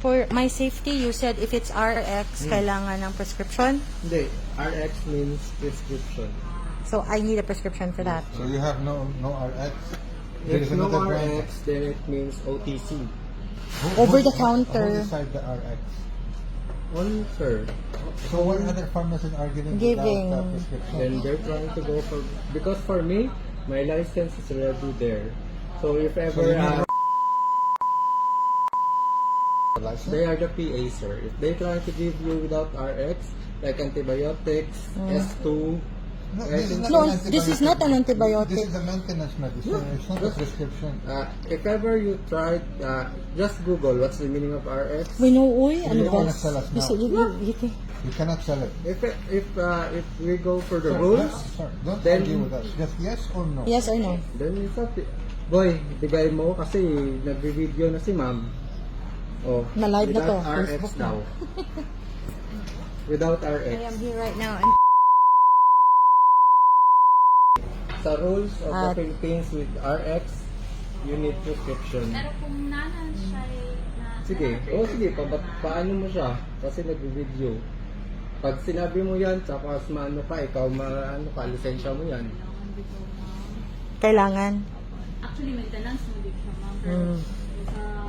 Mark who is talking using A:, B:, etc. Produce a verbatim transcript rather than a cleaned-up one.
A: For my safety, you said if it's R X, kailangan ng prescription.
B: Hindi, R X means prescription.
A: So, I need a prescription for that.
C: So you have no no R X? There
B: If
C: is
B: no
C: another
B: R
C: brand.
B: X, then it means O T C.
C: Who-
A: Over
C: who-
A: the counter.
C: Who decide the R X?
B: One, sir.
C: So what other pharmacies are giving,
A: Giving.
C: without uh, prescription?
B: Then they're trying to go for, because for me, my license is already there. So if
C: So
B: ever,
C: you need
B: uh,
C: a license?
B: they are the P A, sir. If they try to give you without R X, like antibiotics, S two,
C: No,
B: I
C: this is
B: think-
C: not
A: No,
C: an
A: this is not an antibiotic.
C: This is a maintenance medicine. It's not a prescription.
B: uh, if ever you tried, uh, just Google what's the meaning of R X.
A: We know, uy, ano
C: You
A: ba?
C: wanna sell us
A: You
C: now?
A: said, you, you, you think-
C: You cannot sell it.
B: If if uh, if we go for the
C: Sir,
B: rules,
C: sir, don't
B: then-
C: argue with us. Just yes or no.
A: Yes or no?
B: then it's up. to- Boy, bigay mo kasi nagbi-video na si ma'am. Oh,
A: Na live na to.
B: without R X
C: Facebook na.
B: daw. Without R X.
A: I am here right now. And
B: Sa rules of
A: At-
B: the Philippines with R X, you need prescription.
D: Pero kung nanan siya eh, na...
B: Sige, oh sige, pa, paano mo siya? Kasi nagbi-video. Pag sinabi mo yan, tapos maano ka, ikaw maano ka, lisensya mo yan.
A: kailangan.
D: Actually, maintenance mo din siya, ma'am. Pero
A: Mm.
D: sa